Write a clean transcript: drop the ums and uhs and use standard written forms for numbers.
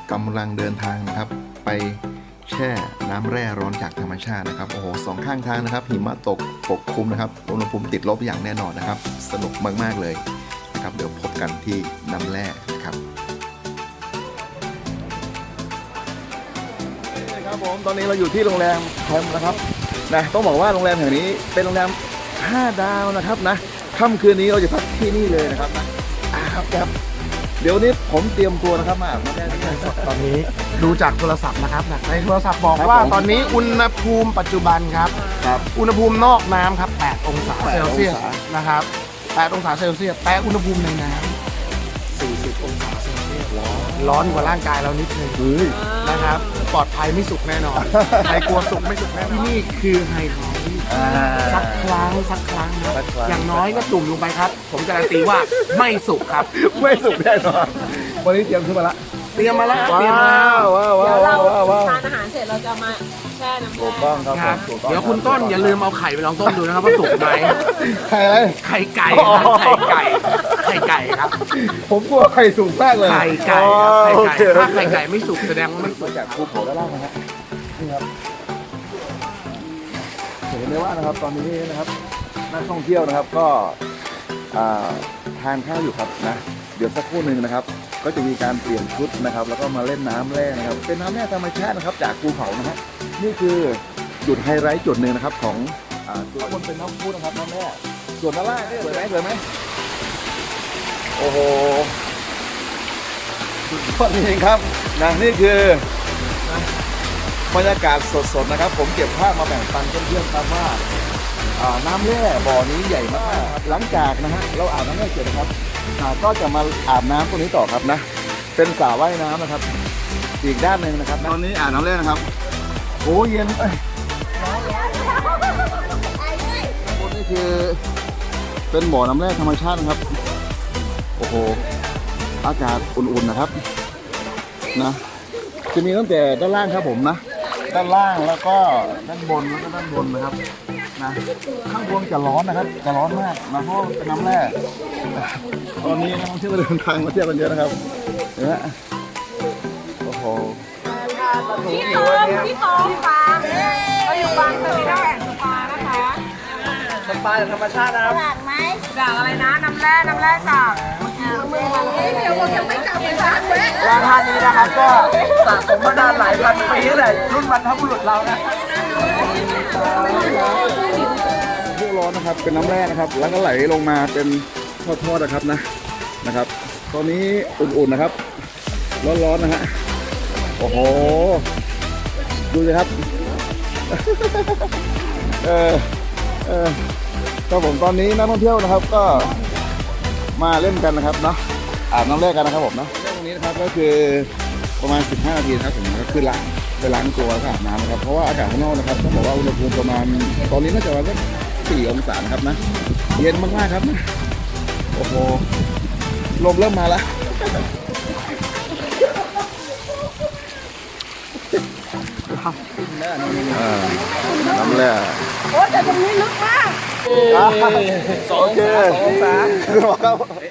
กำลังเดินทางนะครับไปแช่น้ำแร่ร้อนจากธรรมชาตินะครับโอ้โหสองข้างทางนะครับหิมะตกปกคลุมนะครับอุณหภูมิติดลบอย่างแน่นอนนะครับสนุกมากๆเลยนะครับเดี๋ยวพบกันที่น้ำแร่นะครับครับผมตอนนี้เราอยู่ที่โรงแรมแคมป์นะครับนะต้องบอกว่าโรงแรมแห่งนี้เป็นโรงแรม5 ดาวนะครับนะค่ำคืนนี้เราจะพักที่นี่เลยนะครับนะครับเดี๋ยวนี้ผมเตรียมตัวนะครับมาอาบน้ำแร่ที่นี่ตอนนี้ดูจากโทรศัพท์นะครับในโทรศัพท์บอกว่าตอนนี้อุณหภูมิปัจจุบันครับอุณหภูมินอกน้ำครับ8 องศาเซลเซียสนะครับ8 องศาเซลเซียสแต่อุณหภูมิในน้ำ40 องศาเซลเซียสร้อนกว่าร่างกายเรานิดนึงนะครับปลอดภัยไม่สุกแน่นอนใครกลัวสุกไม่สุกแน่ที่นี่คือไฮทอรี่สักครั้งครับอย่างน้อยก็จุ่มลงไปครับ ผมการันตีว่าไม่สุกครับไม่สุกแน่นอนวันนี้เตรียมขึ้นมาละเตรียมมาแล้วว้าวเดี๋ยวเราว้าวทานอาหารเสร็จเราจะมาแช่น้ำถูกแร่ต้องครับครับถูกต้องเดี๋ยวคุณต้นอย่าลืมเอาไข่ไปลองต้มดูนะครับว่าสุกไหมไข่อะไรไข่ไก่ครับไข่ไก่ครับผมกลัวไข่สุกมากเลยไข่ไก่ครับไข่โอไก่เคถ้าไข่ไก่ไม่สุกแสดงว่าไม่สุมาก จากภูเขาด้านล่างนะฮะนี่ครับเห็นไหมว่านะครับตอนนี้นะครับนักท่องเที่ยวนะครับก็ทานข้าวอยู่ครับนะเดี๋ยวสักครู่หนึ่งนะครับ ก็จะมีการเปลี่ยนชุดนะครับ แล้วก็มาเล่นน้ำแร่นะครับ เป็นน้ำแร่ธรรมชาตินะครับ จากภูเขานะฮะนี่คือจุดไฮไลท์จุดหนึ่งนะครับของจุดบนเป็นน้ำพุนะครับน้ำแร่ส่วนด้านล่างนี่สวยไหมโอ้โหสุดยอดจริงๆครับนะนี่คือบรรยากาศสดๆนะครับ ผมเก็บภาพมาแบ่งปันเพื่อนๆครับว่าน้ำแร่บ่อนี้ใหญ่มากครับหลังจากนะฮะเราอาบน้ำแร่เสร็จนะครับก็จะมาอาบน้ำตรงนี้ต่อครับนะเป็นสระว่ายน้ำนะครับอีกด้านหนึ่งนะครับตอนนี้อาบน้ำแร่นะครับโอ้เย็นนี่คือเป็นบ่อน้ำแร่ธรรมชาตินะครับโอ้โหอากาศอุ่นๆนะครับนะจะมีตั้งแต่ด้านล่างครับผมนะด้านล่างแล้วก็ด้านบนแล้วก็ด้านบนนะครับนะข้างบนจะร้อนนะครับจะร้อนมากนะเพราะเป็นน้ำแร่ตอนนี้นักท่องเที่ยวเดินทางมาเที่ยวกันเยอะนะครับเห็นไหมโอ้โหพี่โตฟาร์มเราอยู่บางเทอร์มินอลแอนด์สปานะคะสปาจากธรรมชาตินะครับจากอะไรนะน้ำแร่จากเดี๋ยวผมยังไม่กลับไปทานเว้ยร้านท่านนี้นะครับก็สะสมมานานหลายพันปีเลยรุ่นบรรพบุรุษเรานะพวกร้อนนะครับเป็นน้ำแร่นะครับแล้วก็ไหลลงมาเป็นทอดๆนะครับนะครับ ตอนนี้อุ่นๆนะครับร้อนๆนะฮะโอ้โหดูสิครับ ครับผมตอนนี้นักท่องเที่ยวนะครับก็มาเล่นกันนะครับเนาะอาบน้ำแร่กันนะครับผมเนาะตรงนี้นะครับก็คือประมาณ15 นาทีนะครับผมก็คือไปล้างตัวแล้วก็อาบน้ำนะครับเพราะว่าอากาศข้างนอกนะครับต้องบอกว่าอุณหภูมิประมาณตอนนี้น่าจะประมาณสัก4 องศานะครับนะเย็นมากๆครับนะโอ้โหลมเริ่มมาแล้วน้ำแร่โอ้แต่ตรงนี้ลึกมาก 2 องศาคือว่า